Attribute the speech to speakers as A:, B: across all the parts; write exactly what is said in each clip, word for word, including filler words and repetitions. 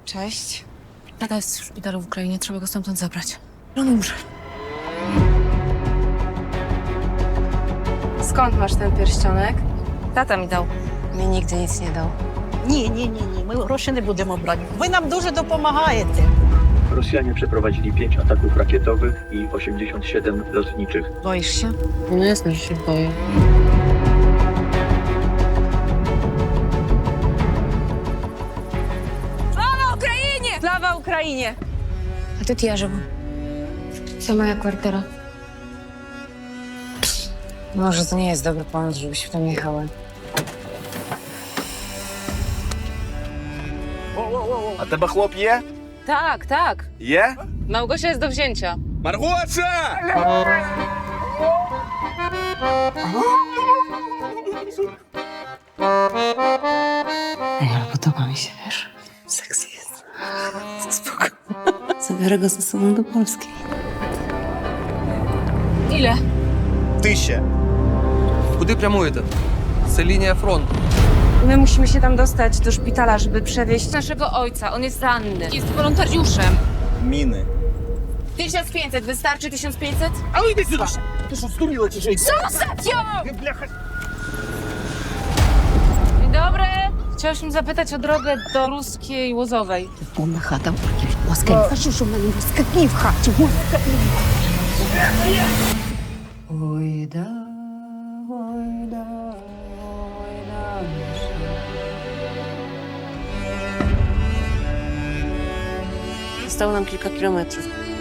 A: Cześć.
B: Tata jest w szpitalu w Ukrainie, trzeba go stamtąd zabrać. On umrze.
A: Skąd masz ten pierścionek?
B: Tata mi dał.
A: Mi nigdy nic nie dał.
C: Ні, ні, ні, ні. Ми гроші не будемо брати. Ви нам дуже допомагаєте.
D: Rosjanie przeprowadzili pięć ataków rakietowych i osiemdziesiąt siedem lotniczych.
A: Boisz się?
B: No jasne, że się boję.
A: Слава Україні! Слава Україні!
B: A тут я живу. To moja kwartera.
A: Może to nie jest dobry pomysł, żebyśmy tam jechały.
E: А тебе хлоп є?
A: Tak, tak.
E: Є?
A: Małgosia jest do wzięcia.
E: Маргоша!
A: Ej, ale podoba mi się, wiesz? Seks jest. Spoko. Zabiorę go ze sobą do Polski.
B: Ile?
F: Тисяча. Куди прямуєте? Це лінія фронту.
A: My musimy się tam dostać do szpitala, żeby przewieźć naszego ojca. On jest ranny.
B: Jest wolontariuszem.
F: Міни.
A: tysiąc pięćset, wystarczy tysiąc pięćset?
E: А йди сюди! Ти що, стуріла чи що?
A: Zostaw ją!
E: Ти, бляха!
A: Dzień dobry. Chciałyśmy zapytać o drogę do Ruskiej Łozowej.
C: Повна хата ворків. Москаль. Кажу, що в мене москалі в хаті. Москалі.
A: Ой, да, ой, да, ой, да. Zostało nam kilka kilometrów.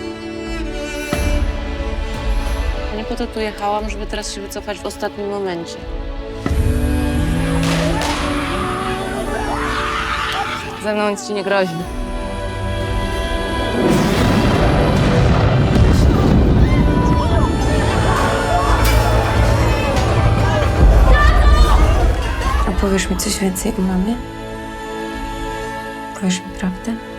A: Nie po to tu jechałam, żeby teraz się wycofać w ostatnim momencie. Ze mną nic ci nie grozi. A powiesz mi coś więcej o mamie? Powiesz mi prawdę?